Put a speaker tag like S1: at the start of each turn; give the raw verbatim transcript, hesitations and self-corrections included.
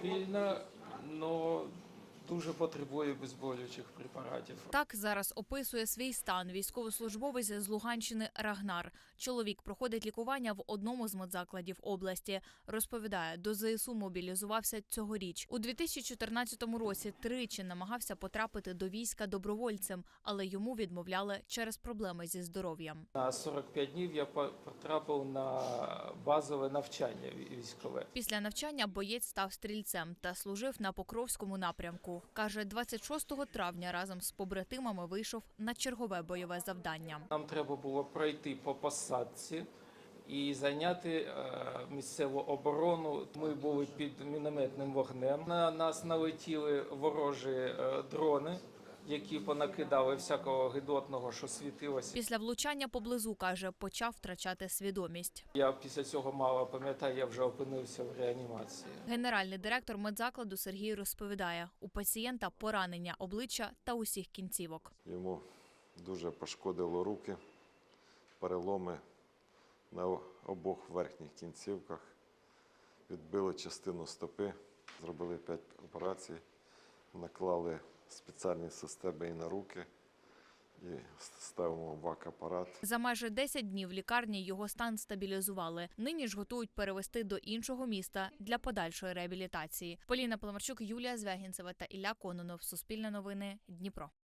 S1: стабільна, але дуже потребує обезболюючих препаратів.
S2: Так зараз описує свій стан військовослужбовець з Луганщини Рагнар. Чоловік проходить лікування в одному з медзакладів області. Розповідає, до ЗСУ мобілізувався цьогоріч. У дві тисячі чотирнадцятому році тричі намагався потрапити до війська добровольцем, але йому відмовляли через проблеми зі здоров'ям.
S1: На сорок п'ять днів я потрапив на базове навчання військове.
S2: Після навчання боєць став стрільцем та служив на Покровському напрямку. Каже, двадцять шостого травня разом з побратимами вийшов на чергове бойове завдання.
S1: Нам треба було пройти по посадці і зайняти е, місцеву оборону. Ми були під мінометним вогнем. На нас налетіли ворожі е, дрони, які понакидали всякого гидотного, що світилося.
S2: Після влучання поблизу, каже, почав втрачати свідомість.
S1: Я після цього мало пам'ятаю, я вже опинився в реанімації.
S2: Генеральний директор медзакладу Сергій розповідає, у пацієнта поранення обличчя та усіх кінцівок.
S3: Йому дуже пошкодило руки, переломи на обох верхніх кінцівках, відбили частину стопи, зробили п'ять операцій, наклали спеціальні системи і на руки, і ставимо вак-апарат.
S2: За майже десять днів в лікарні його стан стабілізували. Нині ж готують перевести до іншого міста для подальшої реабілітації. Поліна Паламарчук, Юлія Звягінцева та Ілля Кононов. Суспільне новини. Дніпро.